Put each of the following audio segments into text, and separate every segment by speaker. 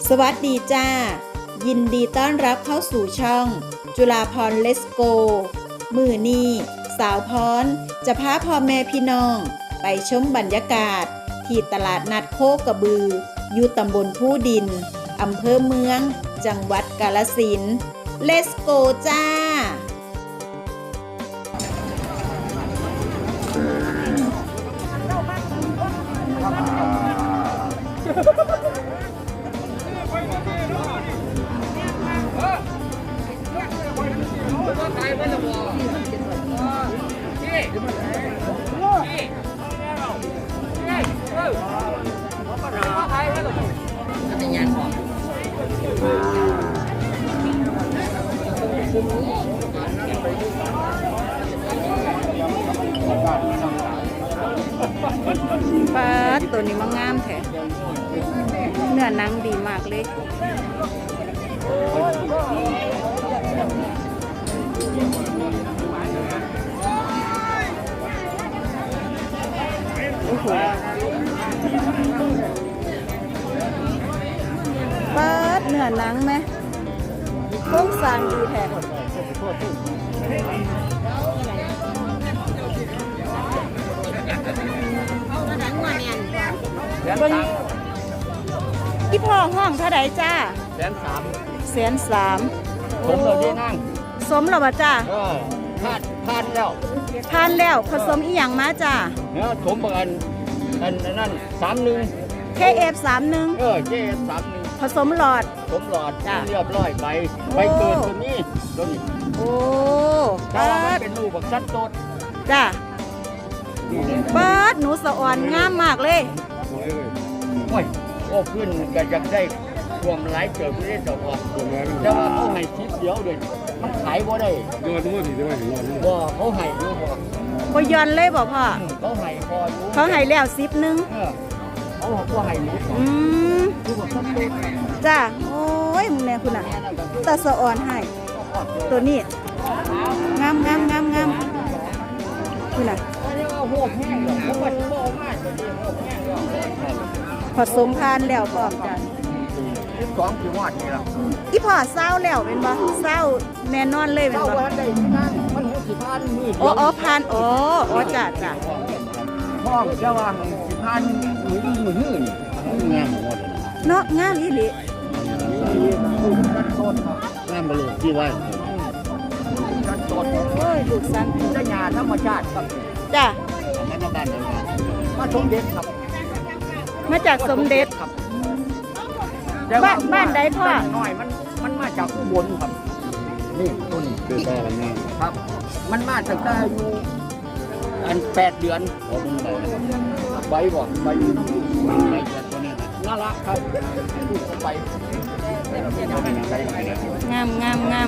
Speaker 1: สวัสดีจ้ายินดีต้อนรับเข้าสู่ช่องจุฬาภรณ์เลสโกมือนี้สาวพรจะพาพ่อแม่พี่น้องไปชมบรรยากาศที่ตลาดนัดโคกระบืออยู่ตำบลผู้ดินอำเภอเมืองจังหวัดกาฬสินธุ์เลสโกจ้าปลาตัวนี้มันงามแท้เนื้อหนังดีมากเลยโอ้โหปลาเนื้อหนังไหมโครงสร้างดีแท้พี่พ่อห้องเท่าไหร่จ้า130,000
Speaker 2: สมเราได้นั่ง
Speaker 1: สมแล้วป่ะจ้า
Speaker 2: ทานแล้ว
Speaker 1: ทานแล้วผสมอีหยังมาจ้า
Speaker 2: เนี่ยสมบันนั่น31
Speaker 1: KF31
Speaker 2: KF31
Speaker 1: ผสมหลอด
Speaker 2: สมหลอดเรียบร้อยใบเกิดตัวนี้
Speaker 1: โอ้
Speaker 2: ถ้ามันเป็นลูกแบบชัดโตด
Speaker 1: จ้าเปิดหนูสะอ่อนงามมากเลย
Speaker 2: โอ้ขึ้นก็จะได้รวมหลายเกิดไม่ได้ดอกว่าแต่ว่าเขาให้ชิปเดียวเลยมันขายบ่ได้
Speaker 3: ยอดมั่วสิได้ไหมยอด
Speaker 2: บ่เขาให้อยู่
Speaker 1: บ่ย้อนเลยบ่พ่อ
Speaker 2: เขาให้พออยู่
Speaker 1: เขาให้แล้ว10นึง
Speaker 2: เขาก็ให้อยู่
Speaker 1: จ้าโอ้ยมึงแน่คุณน่ะตาสะอ่อนให้ตัวนี้งามคุณน่ะผสมพานแล้วพร้อมกัน
Speaker 2: 12ปีวอดนี่ล่ะ
Speaker 1: อีพ่อเศร้าแล้วเป็นบ่เศร้าแน่นอนเลยเป็นบ่
Speaker 2: มันสิพานมือ
Speaker 1: อ๋อพานอ๋อจ้า
Speaker 2: ห้องจะวางสิพานมือนี่งามหมด
Speaker 1: เนาะงามอีหลี
Speaker 2: งามไปเลยที่ไว้
Speaker 1: โอ้ยลูกสัน
Speaker 2: ได้ยาธรรมชาติครับ
Speaker 1: จ้า
Speaker 2: มาสมเด็จครับ
Speaker 1: มาจากสมเด็จ
Speaker 2: ครับ
Speaker 1: บ้านใดพ่อ
Speaker 2: น้อยมันมาจากอุบลครับนี่ต้นคือได้แล้วนี่ครับมันมาจากได้อยู่อัน8 เดือนใบบ่ใบเดือนตัวนี้น่ารักครับไป
Speaker 1: งาม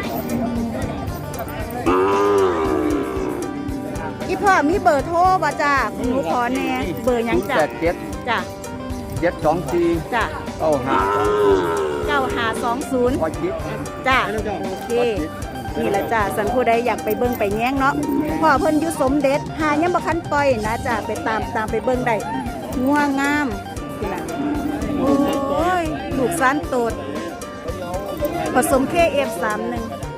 Speaker 1: อีพ่อมีเบอร์โทรป่ะจ้าหนูขอแน่เบอร์ยังจ้ะจ้ะ
Speaker 2: 724
Speaker 1: จ้ะ9520จ้ะโอเคนี่แหละจ้ะสันผู้ใดอยากไปเบิ่งไปแง้งเนาะพ่อเพิ่นอยู่สมเด็จหายังบ่คันปล่อยนะจ้ะไปตามไปเบิ่งได้งัวงามนี่ล่ะโอ้ยลูกสานโตดผสม KF31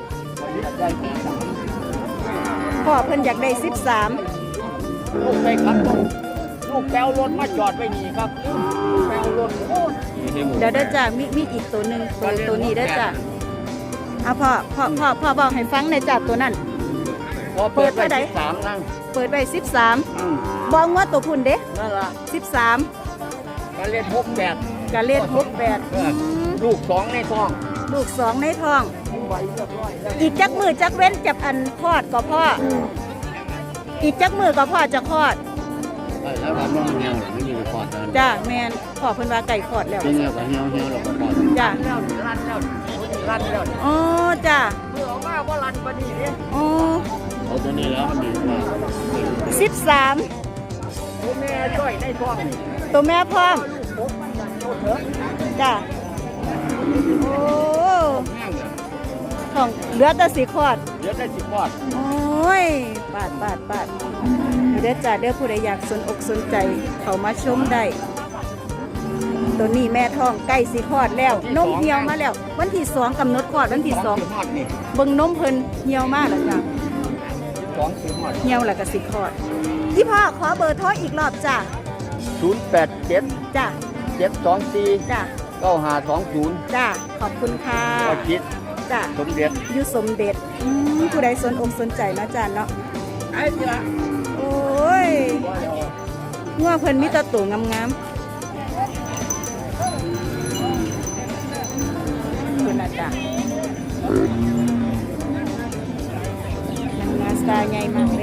Speaker 1: พ่อเพิ่นอยากได้13
Speaker 2: ลูกไปครับลูกแปลวรถมาจอดไว้นี่ครับแปลวรถ
Speaker 1: เดี๋ยวได้จ้ะมีอีกตัวหนึ่งตัวนี้ได้จ้ะเอาพ่อบอกให้ฟังในจ้ะตัวนั้น
Speaker 2: เปิดไป13นั่ง
Speaker 1: เปิดไป13บอกว่าตัวพุ่นเด้
Speaker 2: นั่นล่ะ
Speaker 1: 13
Speaker 2: การเล่น68ลูก2ในท้อง
Speaker 1: อีกจักมือจักเว้นจับอันคลอดก็พ่ออีกจักมือก็พ่อจะคลอด
Speaker 2: แล้วมันเหี่ยวไม่อยู่คลอด
Speaker 1: จ้าแมนพ่อเพิ่นว่าไก่คลอดแล้ว
Speaker 2: เหี่ยวก็เหี่ยวแล้วก็คลอด
Speaker 1: จ้า
Speaker 2: ลั่นแล้ว
Speaker 1: อ๋อจ้า
Speaker 2: เมื่อออกมาบ่ลั่นปานนี้เด้
Speaker 1: อ๋อ
Speaker 2: เอาตัวนี้แล้วดีกว่า
Speaker 1: 13
Speaker 2: ตัวแม่จ้อยในท้อง
Speaker 1: ตัวแม่พร้อมจ้าโอ้ของเหลือแต่สีคอดโอ้ยปาดเดี๋ยวจ้าเดี๋ยวผู้ใดอยากสนอกสนใจเขามาชมได้ตัวนี้แม่ท้องใกล้สิคลอดแล้วนมเหี่ยวมาแล้ว วันที่2กำหนดคลอดวันที่
Speaker 2: สิฮอดนี่
Speaker 1: 2เบิ่งนมเพิ่นเหี่ยวมากแล้วจ้ะ
Speaker 2: 12สิฮอด
Speaker 1: เหี่ยวแล้วก็สิคลอดพี่พ่อขอเบอร์โทรอีกรอบจ้ะ
Speaker 2: 087
Speaker 1: จ้ะ
Speaker 2: 724
Speaker 1: จ้ะ
Speaker 2: 9520
Speaker 1: จ้ะขอบคุณค่ะ
Speaker 2: ก็คิด
Speaker 1: จ้ะ
Speaker 2: สมเด็จ
Speaker 1: อยู่สมเด็จผู้ใดสนอกสนใจเนาะจ้ะเนาะ
Speaker 2: ไอ้เจ้า
Speaker 1: โอ้ยงัวเพิ่นมีแต่ตัวงามๆคุณอาจารย์นางงาสตาใหญ่มากเลย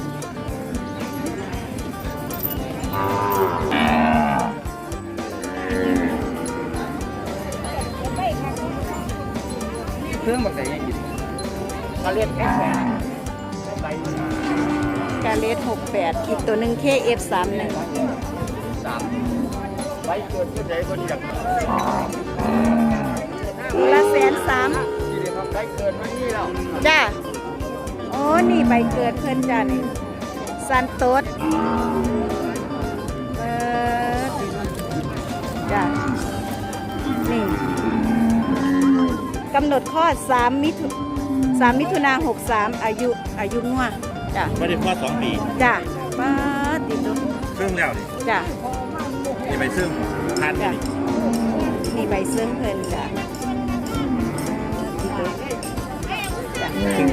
Speaker 2: เครื่องแบบไหนยังกินมาเรียกแค่แสนใบ
Speaker 1: กาเลส68อีกตัวหนึ่ง KF31
Speaker 2: 3ใบเกิดที่ไหนคนอยาก
Speaker 1: ตัวละ130,000
Speaker 2: ที่เรียกว่าใบเกิดมานี่แล้ว
Speaker 1: จ้าโอ้นี่ใบเกิดเพิ่นจ้านี่ซันโตสจ้านี่กำหนดคลอด3 มิถุนายน63อายุงัวจ้า
Speaker 3: ไม่ได้พอ2 ปี
Speaker 1: จ้าป้าติดตัว
Speaker 3: ซึ่งแล้วนี่
Speaker 1: จ้า
Speaker 3: จะไปซึ่งทาน
Speaker 1: จ้า
Speaker 3: นี่
Speaker 1: นี่ใบเสื้อเพิ่นจ้าติดตัวจ้า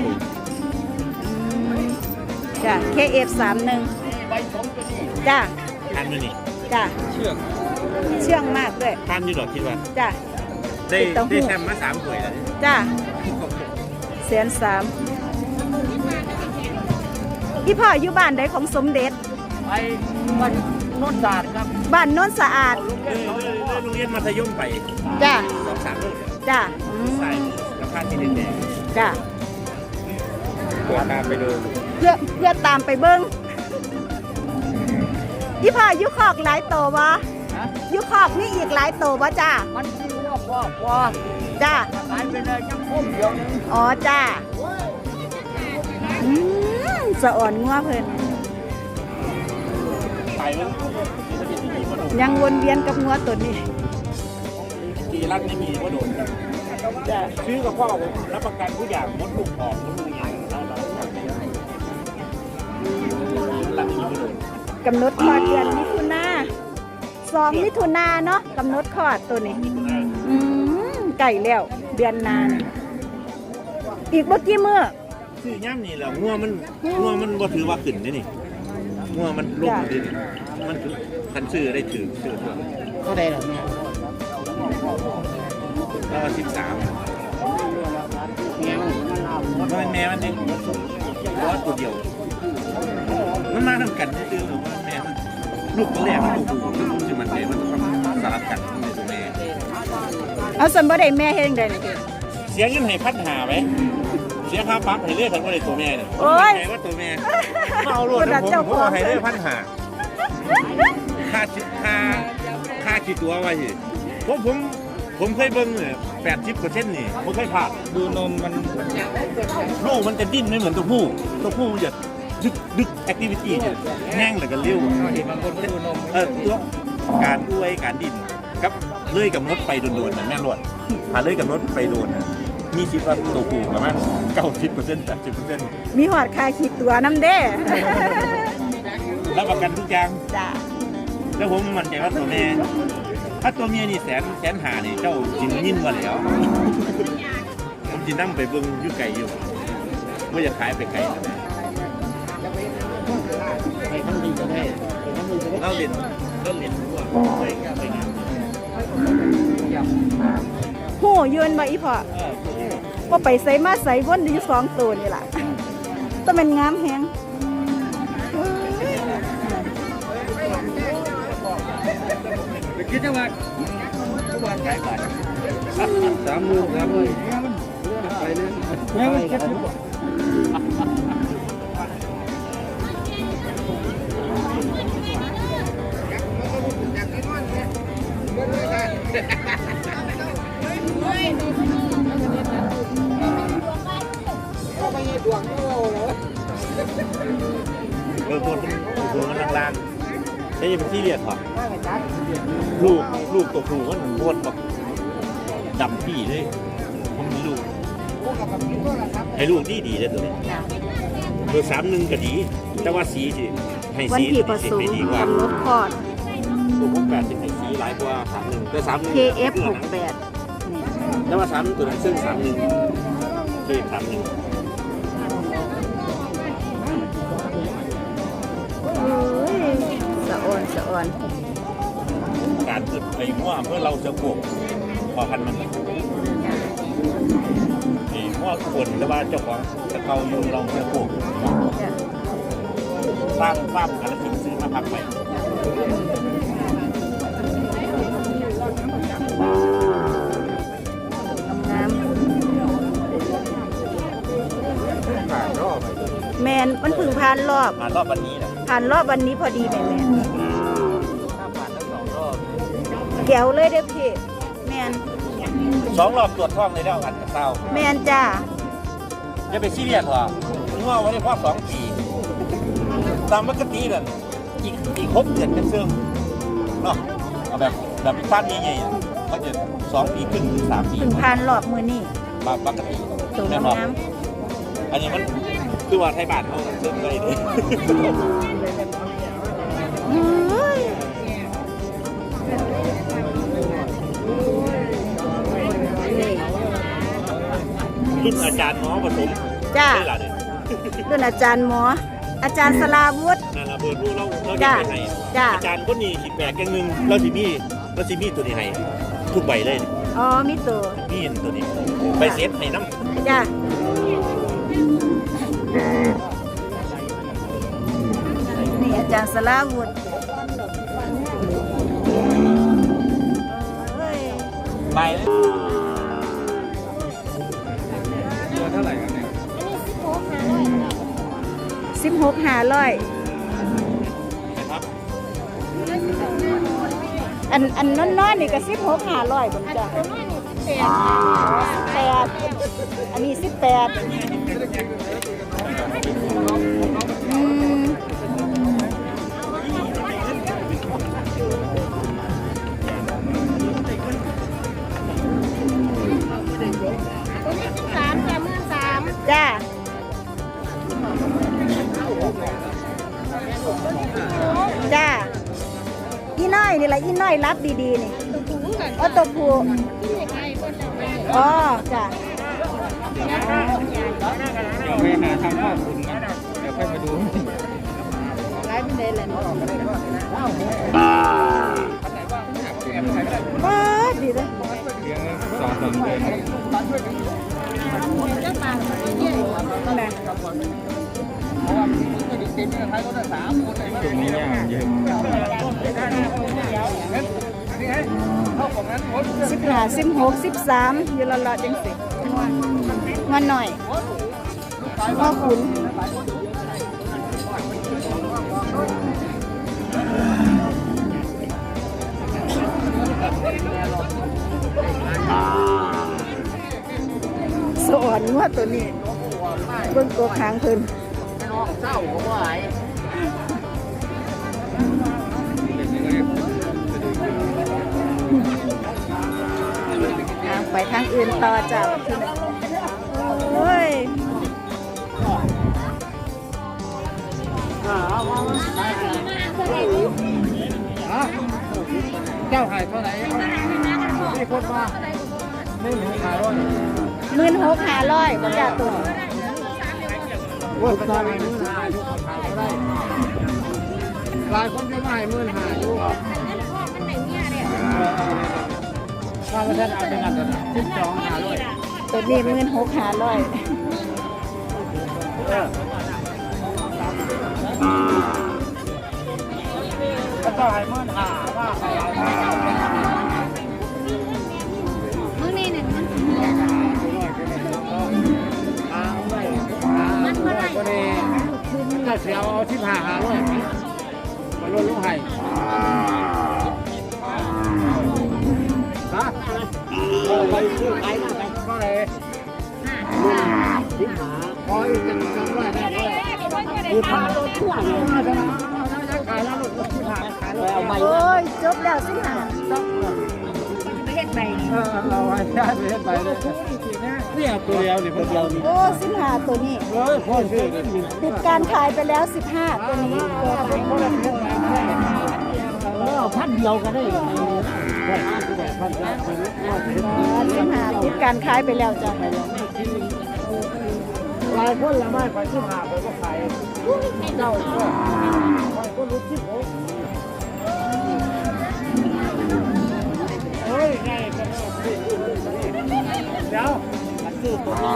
Speaker 1: จ้า KF31
Speaker 2: ใบสองตัวนี้
Speaker 1: จ้า
Speaker 3: ทานมือนี่
Speaker 1: จ้า
Speaker 3: เชือก
Speaker 1: เชื่องมากด้วย
Speaker 3: ทานอยู่ดอกคิดว่า
Speaker 1: จ้า
Speaker 3: ได้
Speaker 1: ติดเต้าหู้
Speaker 3: ได้แชมป์มา3 ถ้วยแล้วนี่
Speaker 1: จ้า130,000พี่พ่ออยู่บ้านใดของสมเด็จ
Speaker 2: ไปวันโนนศาสตร์ครับ
Speaker 1: บ้านโน้นสะอาด
Speaker 3: โรงเรียนมัธยมไป
Speaker 1: จ้า
Speaker 3: 2-3 ลูก
Speaker 1: จ้า
Speaker 3: ใส่กับผ้าที่แดง
Speaker 1: จ้า
Speaker 3: ๆตัวตามไปดู
Speaker 1: เพื่อตามไปเบิ้งพี่พ่ออยู่คอกหลายโตวะ
Speaker 2: นะ
Speaker 1: อยู่คอกนี่อีกหลายโตวะจ้า
Speaker 2: มันที่ว่า
Speaker 1: จ้า
Speaker 2: ตายไปเลยจังพุ่มเดียวนึง
Speaker 1: อ๋อจ้าสะอ่อนงัวเพิ่น
Speaker 3: ไปมัน
Speaker 1: ยังวนเวียนกับงัวตัวนี้
Speaker 3: ตีรักไม่มีว่าโดนแต่ซื้อกับพ่อผมรับประกันทุกอย่างมดลูกออกมดลูกยังเรารักไม่มีว่าโดน
Speaker 1: กำหนดคลอดเดือนมิถุนา2 มิถุนาเนาะกำหนดคลอดตัวนี้ไก่แล้วเดือนหนานอีกเมื่อกี้มื้อ
Speaker 3: ซื้อย่ำนี่แหละงัวมันบ่ถือว่าขึ้นนี่งัวมันลงดิมันคันซื้อได้ถือซื้อ
Speaker 2: ก็ได้หรอแม่
Speaker 3: แล้ว13มันเป็นแม่มันเองว่าตัวเดียวมันมาทำกันซื่อๆหรือว่าแม่มันลูกตัวแรกมันตัวผู้ลูกที่มันแม่มันต้องสลับกันในตัวแม่
Speaker 1: เอาสันบ่ได้แม่เฮ็ดจังได๋นี่
Speaker 3: เสียเงินให้1,500ไหมเสียค่าปั๊บให้เลือดทันว่าได้ตัวแม่เนี่ย
Speaker 1: โอ้ย
Speaker 3: ผมว่าตัวแม่มาเอารวดนะผมเอาให้เลือด1,500ค่าคิดตัวไว้สิผมเคยเบิ่งเนี่ย80%นี่ผมเคยผ่านดูนมมันลูกมันจะดิ้นไม่เหมือนตัวผู้จะดึกแอคทิวิตี้จะแห้งแล้วก็เลี้ยวบางคนดูนมตัวการด้วยการดิ้นกับเลื่อยกับมดไปโดนๆนะแม่รวดถ้าเลื่อยกับมดไปโดนนะมีคิดว่าตัวผู้ประมาณ90% 80%
Speaker 1: มีหอดคาขีดตัวน้ำเด้
Speaker 3: รับประกันทุกอย่าง
Speaker 1: จ้า
Speaker 3: แล้วผมมั่นใจว่าตัวแม่ถ้าตัวเมียนี่แสนหานี่เจ้าจินยินมาแล้ว ผมจินั่งไปเบิ่งอยู่ไกลอยู่ว่าจะขายไปไกลนะ
Speaker 2: ไปทั้งดีก็ได้ไปทั้งดีก็ได้
Speaker 3: เราเรียนว่าไปงาน
Speaker 1: โหยืนบ่อีพ่อว่าไปใส่มาใส่วนอยู่2ตัวนี่ล่ะต้องเป็นงามแฮง
Speaker 2: ไปคิดจังหวัดขายไป30,000ครับไปเลยแม่มันเก็บ
Speaker 3: ตัวมันล่างๆใช่ยังเป็นที่เรียกหรอลูกลูกตัวผู้มันโคตรแบบดำปี่เลยผมมีลูกให้ลูกดีเลยตัวนี้
Speaker 1: จ้ะ
Speaker 3: เบอร์31ก็ดี แต่ว่าสีสิให้
Speaker 1: วัน
Speaker 3: สี
Speaker 1: ที่ผสม
Speaker 3: ให้ดีกว่า
Speaker 1: กำหนดคลอด
Speaker 3: ตัวพวก8สิให้สีหลายกว่า31แต่31
Speaker 1: KF
Speaker 3: ตัวนั้น
Speaker 1: 68นี่
Speaker 3: แต่ว่า31ตัวนั้นซึ่ง31 KF 31
Speaker 1: โอ้ยสะอ่อนสะอ่อน
Speaker 3: การเกิดไปมั่วเพื่อเราจะปลูกพอพันธุ์มันนี่มั่วคนแต่ว่าเจ้าของจะเกาอยู่เราจะปลูก
Speaker 1: จ้ะ
Speaker 3: ฟ้ากันแล้วทิ้งซื้อมาพักไป
Speaker 1: งาม
Speaker 3: ผ่านรอบไป
Speaker 1: แมนมันเพึ่งผ่านรอบ
Speaker 3: ผ่านรอบวันนี้แหละ
Speaker 1: ผ่านรอบวันนี้พอดีแม่แม่
Speaker 3: ถ้าผ่านทั้ง2 รอบ
Speaker 1: แก้วเลยเด้อพี่แมน
Speaker 3: 2 รอบตรวจท้องเลยแล้วอันกับเต้า
Speaker 1: แมนจ้า
Speaker 3: อย่าไปซีเรียสหรอกง่วงไว้ได้พอ2 ปีตามปกตินั่นอีก6 เดือนเป็นเสื่อมเนาะเอาแบบฟาดใหญ่ๆเขาจะ2 ปีขึ้นถึง3 ปี
Speaker 1: เพึ่งผ่านรอบมือนี่
Speaker 3: ปกติ
Speaker 1: ตัว
Speaker 3: แน่นอน
Speaker 1: งาม
Speaker 3: อันนี้มันคือว่าไทยบ้านเขาเสื่อมเลยเลย
Speaker 1: เฮ้ยนี่
Speaker 3: รุ่นอาจารย์หมอผสม
Speaker 1: จ้า
Speaker 3: ได้หล่ะเนี่ย
Speaker 1: รุ่นอาจารย์หมอ อาจารย์สลาวุฒิ
Speaker 3: นั่นละเบอร์รู้เราจะ
Speaker 1: จ้า
Speaker 3: ไปให้
Speaker 1: จ้า
Speaker 3: อาจารย์คนนี้สิแปลกอย่างหนึงเราสิมีตัวนี้ให้ทุกใบเลย
Speaker 1: อ๋อมีตัว
Speaker 3: มีอันตัวนี้ไปเซฟให้น้ำ
Speaker 1: จ้านี่อาจารย์สลาวุฒิเฮ้ย
Speaker 3: ใบเลยตัวเท่าไหร่กันเนี่ย
Speaker 1: 16,500
Speaker 3: นะครับ
Speaker 1: อันน้อยๆนี่ก็16,500ผมจ้ะ18อันนี้18อืมจ้าจ้าอีน้อยนี่แหละอีน้อยรับดีๆนี่อ๋อตัวผู้อ๋อจ้า
Speaker 2: ไปหาทำข้าวคุณกันเดี๋ยวค่อยมาดู
Speaker 1: ไลฟ์เป็นเดย์เลยว้าดีเลย
Speaker 2: เลี้ยง2-3 เดือน
Speaker 1: แม่
Speaker 2: ตรงนี้ย่างเยอะ
Speaker 1: 15 16 13อยู่ละๆจังสิมาหน่อยพ่อขุนสอนว่าตัวนี้เบิ่งตัวหางเพิ่น
Speaker 2: เศร้าก็ว่าไอ้
Speaker 1: ไปทางอื่นต่อจ้ะโอ้ย
Speaker 2: เจ้าขายเท่าไหร่มีคนมาไม่หนูขายด้วย
Speaker 1: 16,500บ่จ้าตัว
Speaker 2: ว่าตอนนี้15,000อยู่ขายเท่าไหร่หลายคนจะมาให้15,000อยู่ถ้าไม่ได้เอาเป็นอันนั้น12,500
Speaker 1: ตัวนี้16,500
Speaker 2: แล้วก็ให้15,000ว่าใครเอา
Speaker 4: มื้อนี้เนี่ยมัน
Speaker 2: มันก็ได้ถ้าเสียเอา15,500มาลดลงให้ฮะไปซื้อขายมาก็เลยพออีกจะจำได้ได้คือพาลดทั่วเลยขายแล้วลด15,000ขายแล้วเอาใบ
Speaker 1: โอ้ย จบแล้วสิหา
Speaker 2: เอาไว้ได้ไปเฮ็ดไปเลยเนี่ยตัวเดียวนี่ตัวเดียวนี่
Speaker 1: โอ้15ตัวนี้
Speaker 2: เฮ้ยพ่อซื้อนี่
Speaker 1: ปิดการขายไปแล้ว15ตัวนี้ตัวไหน
Speaker 2: พันเดียวก็ได้เลยพัน
Speaker 1: 15ปิดการขายไปแล้วจ้ะ
Speaker 2: หลายคนละไม่ไปที่หาไปก็ขายเจ้าก็ไปก็รู้ที่ผมเฮ้ยไงกันเดี๋ยวมันซื้อตัวนี้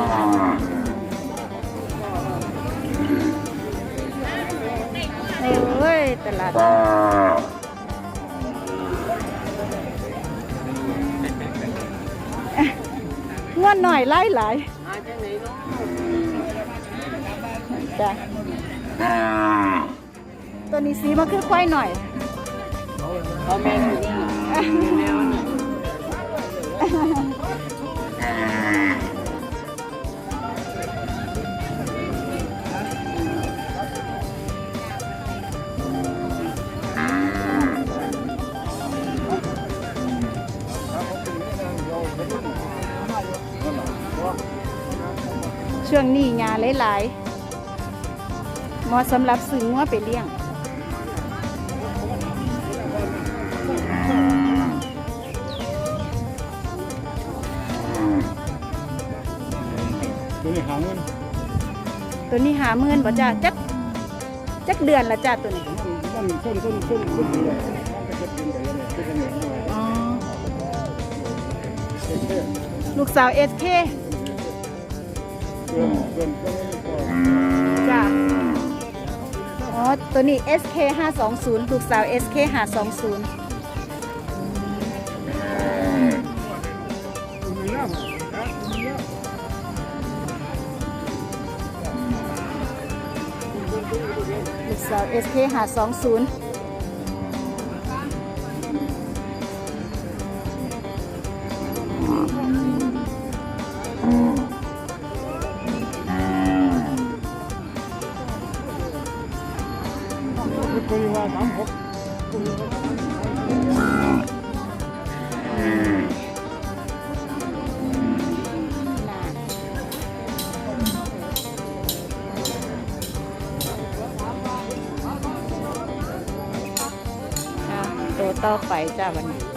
Speaker 1: เอ้ยตลาดง่วนหน่อยไล่หลายจ้ะตัวนี้สีมันคือควายหน่อย
Speaker 2: เอาแม่ดูแนวนี่
Speaker 1: ช่วงนี้งานหลายๆเหมาะสำหรับซื้องัวไปเลี้ยง
Speaker 2: ตัวนี้หาเงิน
Speaker 1: ตัวนี้50,000บ่จ้าจักเดือนละจ้าตัวนี้
Speaker 2: มันส้นเลยมันจะเป็นแบบนี้เป็นอย่างนี้
Speaker 1: อ๋อลูกสาว SK จ้าอ๋อตัวนี้ SK 520ลูกสาว SK 520ลูกสาว SK 520
Speaker 2: คุยว่า36
Speaker 1: ตัวต่อไปจ้าวันนี้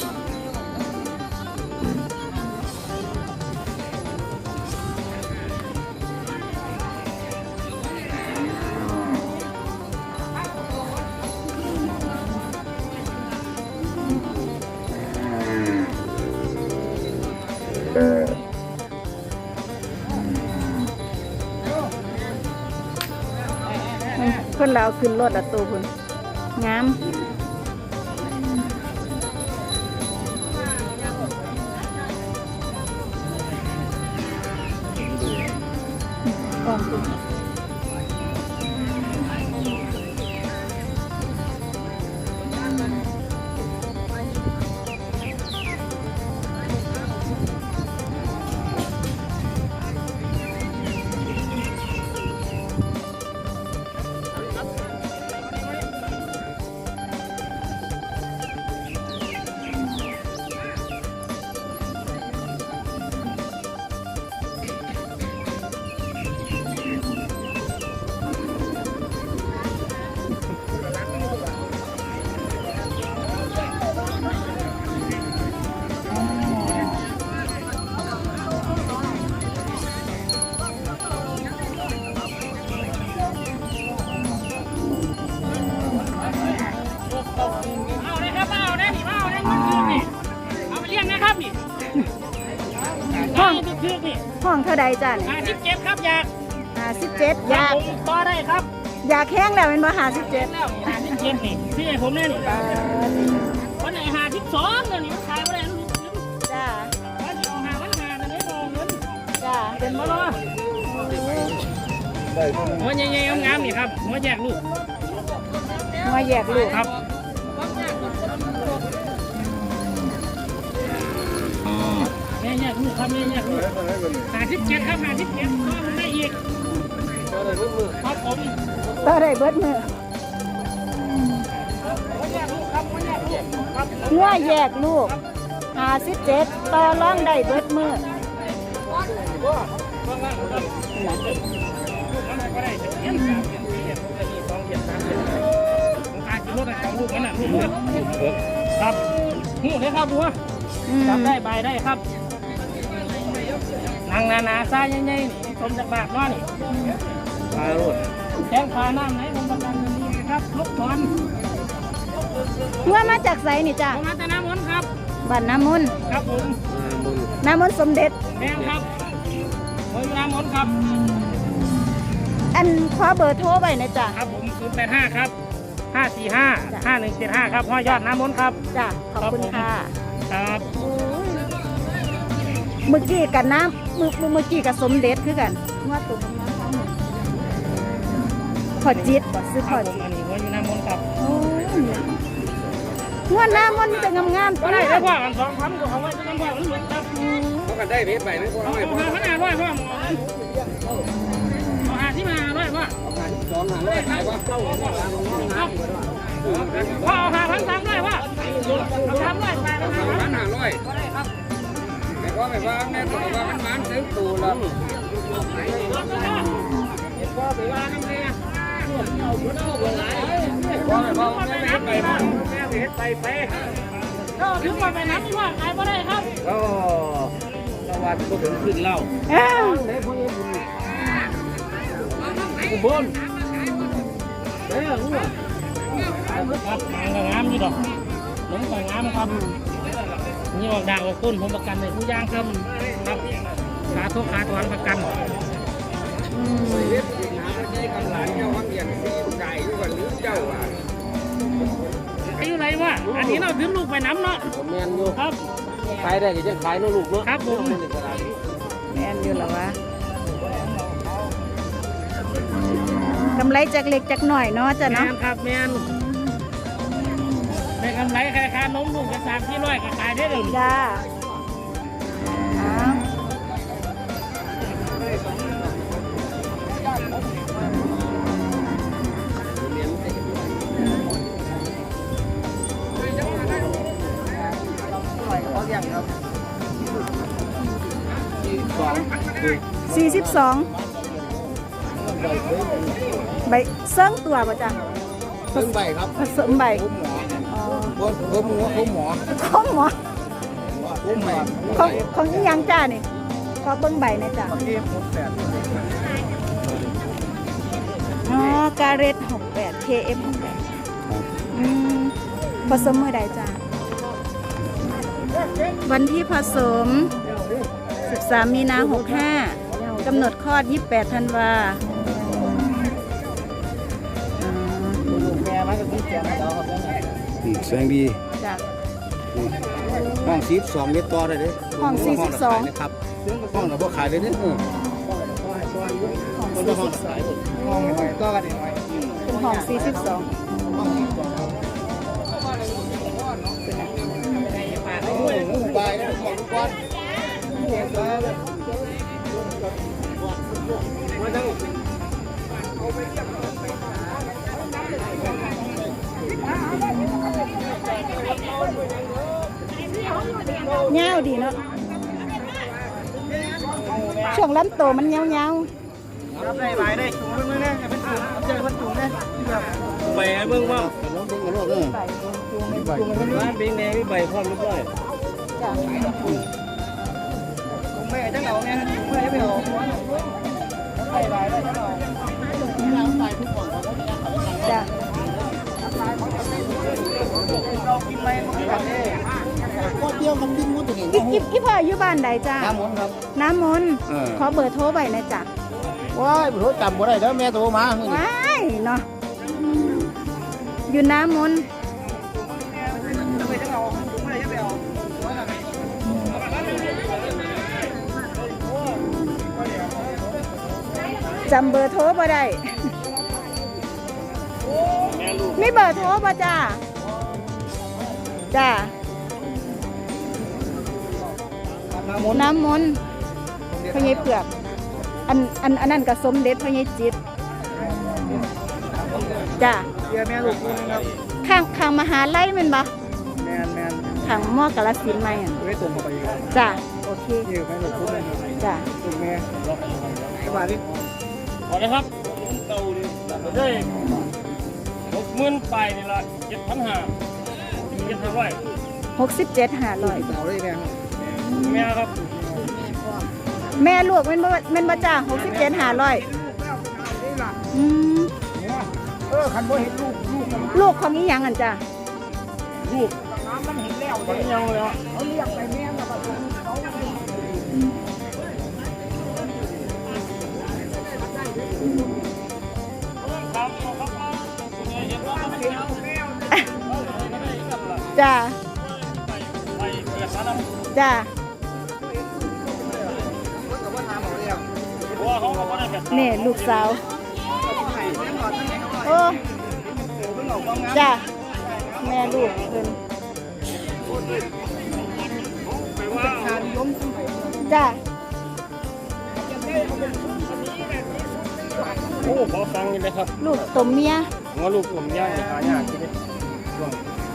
Speaker 1: คนเราขึ้นรถละตัวคุณงามออกดู
Speaker 5: เอาเลยครับเอาได้นี่เอาได้นี่เอาไปเลี้ยงนะครับนี่
Speaker 1: ห้อง
Speaker 5: ทึกๆนี่
Speaker 1: ห้องเท่าใดจ้าเนี่ย
Speaker 5: 57ครับอยาก
Speaker 1: 57อยาก
Speaker 5: ผมต่อได้ครับ
Speaker 1: อยากแห้งแล้วเป็นบ่57
Speaker 5: แล้ว57นี่พี่ให้ผมแน่นี่วันไหน52เดี๋ยวนี้มันขายบ่ได้ลูก
Speaker 1: จ้า
Speaker 5: วันที่เอาหาวันหาตอนนี้โดนเงิน
Speaker 1: จ้า
Speaker 5: เป็นบ่ล่ะหัวใหญ่ๆงามๆนี่ครับหัวแยกลูก
Speaker 1: มาแยกลูก
Speaker 5: ครับแม่แยกลูกครับแม่แยกลูก57ครับ57ก็มันได้อีกครับผม
Speaker 1: ต่อได้เบิดมือ
Speaker 5: หัวแยกลูกครับหัวแยกลูกครับ
Speaker 1: งัวแยกลูก 57ต่อรองได้เบิดมื้อ
Speaker 5: ครับหูเลยครับบัวจับได้ใบได้ครับนางนาซาใหญ่ๆนี่ชมจากบากน้อนี่ปลาโรดแข้งขาน้ำไหนผมประกันดีครับลบถอน
Speaker 1: งัวมาจากไสนี่จ้ะ
Speaker 5: ผมมาแต่น้ำมนต์ครับ
Speaker 1: บ้านน้ำมนต์
Speaker 5: ครับผม
Speaker 1: น้ำมนต์สมเด็จ
Speaker 5: แดงครับผมอยู่น้ำมนต์ครับ
Speaker 1: อันขอเบอร์โทรไว้นะจ้ะ
Speaker 5: ครับผม085ครับ545 5175ครับพ่อยอดน้ำมนต์ครับ
Speaker 1: จ้ะขอบคุณค่ะ
Speaker 5: ครับ
Speaker 1: เมื่อกี้กับน้ำเมื่อกี้กับสมเด็จคือกันงัวตัวน้ำทั้งหมดพอจิตบ่ซื้อพ
Speaker 5: ครั
Speaker 1: อบ
Speaker 5: ผม
Speaker 1: จิต
Speaker 5: อันนี้ผมอยู่น้ำมนต์ครับ
Speaker 1: โอ้ยงัวน้ำมันมีแต่งามๆ
Speaker 5: ก็ได้ได้พ่อกัน2,000ก็เอาไว้จะน้ำพ่อมันหลุดครับ
Speaker 2: เขากันได้เพชรใบนึง
Speaker 5: เอาขนาดร้อยพ่อเอาหาที่มาร้อยพ่อ
Speaker 2: 200ขายว่าเข้า
Speaker 5: ครับพ่อเอาหา1,300ร้อยพ่อเอา300ไปแล้วครับ
Speaker 2: 1,500แต่ว่าไม่ว่าแม่ตัวว่ามันมันถึงตูแล้ว
Speaker 5: พ่อไปว่าน้ำเลยนะ
Speaker 2: ว่าไม่ว่าแม่เพชรใบมัน
Speaker 5: แม่ไปเฮ็ดไปก็ถึงมาไปน้ำที่ว่าขายบ่ได้ครับ
Speaker 2: ก็ตะวันก็ถึงขึ้นเล่า
Speaker 1: อ้าว
Speaker 2: อุบลเด้อหัว
Speaker 5: ครับงามอยู่ดอกหลงไปงามครับนี่ออกด่างออกต้นผมประกันในผู้ย่างครับครับขาทุกขาถอนประกัน
Speaker 2: เฮ็ดสิหาที่กันหลานเจ้าวังเหียนซีไก่อยู่กันหรือเจ้าอ่ะ
Speaker 5: อายุไรวะอันนี้เราถึงลูกไปน้ำเนาะ
Speaker 2: แม่นอยู่
Speaker 5: ครับ
Speaker 2: ขายได้ก็ยังขายเนาะลูกเนาะ
Speaker 5: ครับผม
Speaker 1: แม่นอยู่แล้ววะกำไรจากเล็กจากหน่อยเนาะจ้ะ
Speaker 5: แม
Speaker 1: เนาะ
Speaker 5: นครับแมนได้กำไรใครค้านมลูกกระสามที่ร้อยก็ขายได้เลย
Speaker 1: จ้าอ้าว42ใบเซิงตัวป่ะจ้ะ
Speaker 2: เพิ่งใบครับ
Speaker 1: ผสมใบ
Speaker 2: ผมหมอ
Speaker 1: อ๋อ
Speaker 2: ผมหมอ
Speaker 1: ของหมอ
Speaker 2: ผมใบ
Speaker 1: ของอีหยังจ้านี่ขอเบิ่งใบหนะจ้ะ
Speaker 2: เก็บ68
Speaker 1: อ๋อการเรต68 KF 68ผสมเมื่อใดจ้ะวันที่ผสม 13 มีนา 65กำหนดคลอด 28 ธันวา
Speaker 2: แสงดี
Speaker 1: จ้ะ
Speaker 2: ห้อง42เมตรต่อได้เด้
Speaker 1: ห้อง42
Speaker 2: ครับห้องเราบ่ขายเลยเด้
Speaker 1: ของ
Speaker 2: คนละห้องขายห้องหน่อยต่อกันอีกหน่อย
Speaker 1: เป็นของ 42
Speaker 2: โอ้ยงูใบนะของก้อนมาจัง
Speaker 1: เงาวดีเนาะช่วงลำโตมันเงา
Speaker 5: รับได้ใบได้ถุงเบิ่งนะเป็นถุงเจอเป็นถุงนะใบเบิ่งว่า
Speaker 2: ลองเบิ่งกันลูกเออ
Speaker 1: ๆใบ
Speaker 5: ร้านเบงแดงมีใบพร้อมเรียบร้อย
Speaker 1: จ้ะ
Speaker 5: ผมไม่จังเอาเนี่ยไม่ไปเอาใบได้จังเอา
Speaker 1: จ้ะ
Speaker 5: เรากินไปมันกันเด้
Speaker 2: ก็เดียวกับดิ้นมุดตัวนี้
Speaker 1: อีพ่ออยู่บ้านใดจ้ะ
Speaker 2: น้ำมนต์ครับ
Speaker 1: น้ำมนต์
Speaker 2: เออ
Speaker 1: ขอเบอร์โทรไว้นะจ้ะ
Speaker 2: ว้ายบ่รู้จำบ่ได้เด้อแม่โทรมามื้อนี้
Speaker 1: ว้ายเนาะอยู่น้ำมนต์จำเบอร์โทรบ่ได้ มีเบอร์โทรบ่จ้าจ้าน้ำมนต์พญายเปลือกอันนั้นก็สมเด็จพญายจิตจ้า
Speaker 5: เดี๋ยวแม่ลูกคุณครับ
Speaker 1: ข้างมหาลัยแม่นบ่
Speaker 5: แมน
Speaker 1: อขังหม้อกระสินธุ์ไหมอ่ะ
Speaker 2: ไม่ตรงไปอีกแล้ว
Speaker 1: จ้ะโอเค
Speaker 2: นี่ไปหมดทุกเลย
Speaker 1: จ้ะ
Speaker 2: ตรงแม่สวัสดี
Speaker 5: ขอเลยครับเก่าดิได้60,000ไปนี่ละ7,500
Speaker 1: 67,500
Speaker 2: สาวได้แม่
Speaker 5: แม่ครับ
Speaker 1: แม่ลูกแม่นบ่จ้า67,500อืม
Speaker 2: คันบ่เห็นลูก
Speaker 1: ลูกของอีหยังอันจ้ะ
Speaker 5: ลูก
Speaker 2: น้ำมันเห็นแล้ว
Speaker 5: มันยังเลยอ่ะ
Speaker 2: เขาเรียกไปแม่แล้วก็เขา
Speaker 5: ครับครับเห็นว่ามันเป็นเอา
Speaker 1: จ้า
Speaker 5: ไปเกิดมาแล้ว
Speaker 1: จ้า
Speaker 5: เพราะว่าเขาก็ได้แบบ
Speaker 1: นี่ลูกสาวโอ้จ้าแม่ลูกเพิ่น
Speaker 5: ไปว่า
Speaker 1: จ้า
Speaker 5: โอ้ขอฟังนี่เลยครับ
Speaker 1: ลูกตมเมีย
Speaker 5: ว่าลูกผมย่างหายากที่นี่ช่วง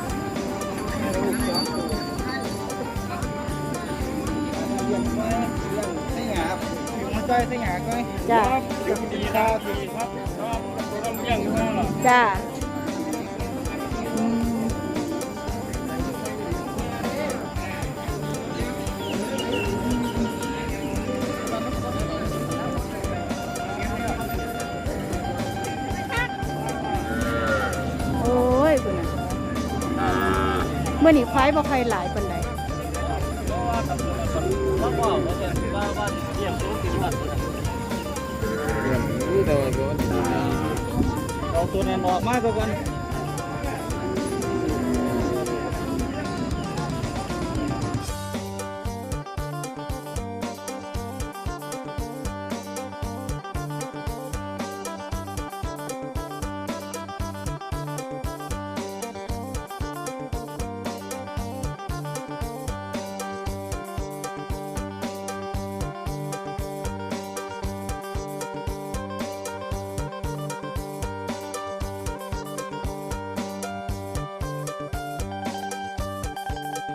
Speaker 2: ใจใส่หาก้อย
Speaker 1: จ้า
Speaker 5: ดีครับดีครับครับต้องย่างอยู่แล้วล่ะ
Speaker 1: จ้าอืมโอ้ยคุณน่ะเมื่อนี้ควายบ่ค่อยหลายปานใด
Speaker 5: แล้วก็ว่าเยี่ยมรู้สิว่าเอาตัวนั้นออกมาสักวัน